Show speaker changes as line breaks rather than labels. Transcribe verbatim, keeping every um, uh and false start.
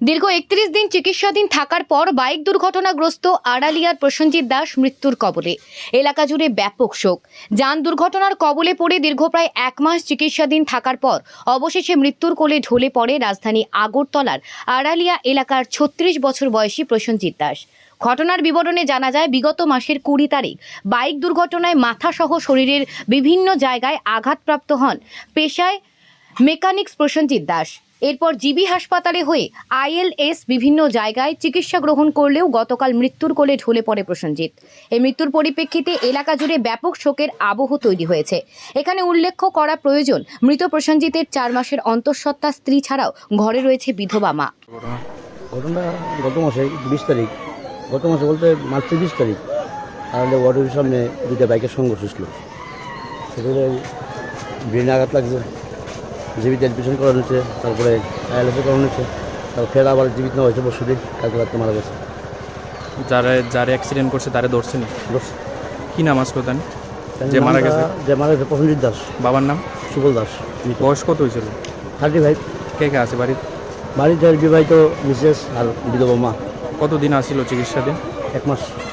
দীর্ঘ একত্রিশ দিন চিকিৎসাধীন থাকার পর বাইক দুর্ঘটনাগ্রস্ত আড়ালিয়ার প্রসেনজিৎ দাস মৃত্যুর কবলে। এলাকা জুড়ে ব্যাপক শোক। যান দুর্ঘটনার কবলে পড়ে দীর্ঘ প্রায় এক মাস চিকিৎসাধীন থাকার পর অবশেষে মৃত্যুর কোলে ঢলে পড়ে রাজধানী আগরতলার আড়ালিয়া এলাকার ছত্রিশ বছর বয়সী প্রসেনজিৎ দাস। ঘটনার বিবরণে জানা যায়, বিগত মাসের কুড়ি তারিখ বাইক দুর্ঘটনায় মাথাসহ শরীরের বিভিন্ন জায়গায় আঘাতপ্রাপ্ত হন পেশায় মেকানিক্স প্রসেনজিৎ দাস। এরপর জিবি হাসপাতালে হয়ে আইএলএস বিভিন্ন জায়গায় চিকিৎসা গ্রহণ করলেও গতকাল মৃত্যুর কোলে ঢলে পড়ে প্রসেনজিৎ। এই মৃত্যুর পরিপ্রেক্ষিতে এলাকা জুড়ে ব্যাপক শোকের আবহ তৈরি হয়েছে। এখানে উল্লেখ করা প্রয়োজন, মৃত প্রসেনজিতের চার মাসের অন্তঃসত্ত্বা স্ত্রী ছাড়াও ঘরে রয়েছে বিধবা মা।
ঘটনা গত মাসে বিশ তারিখ গত মাসে বলতে মার্চের বিশ তারিখ আমাদের ওয়ার্ডের সামনে দুইটা বাইকের সংঘর্ষ ছিল। সেখানে ব্রেনে আঘাত লাগছে, জীবিত অ্যাডমিশন করানো হয়েছে, তারপরে আইএলএসে করানো হয়েছে, তারপর ফের আবার জীবিত নেওয়া হয়েছে পরশু দিন, কালকে রাত্রে মারা গেছে।
যারা যারা অ্যাক্সিডেন্ট করছে তারা ধরছেন?
ধরছে।
কি নাম আসলো তার? যে মারা গেছে
যে মারা গেছে প্রসেনজিৎ দাস।
বাবার নাম?
সুবল দাস।
বয়স কত হয়েছিল?
Thirty five.
কে কে আছে বাড়ির?
বাড়িতে বিবাহিত মিসেস আর বিধবা মা।
কতদিন আসছিল চিকিৎসাধীন?
এক মাস।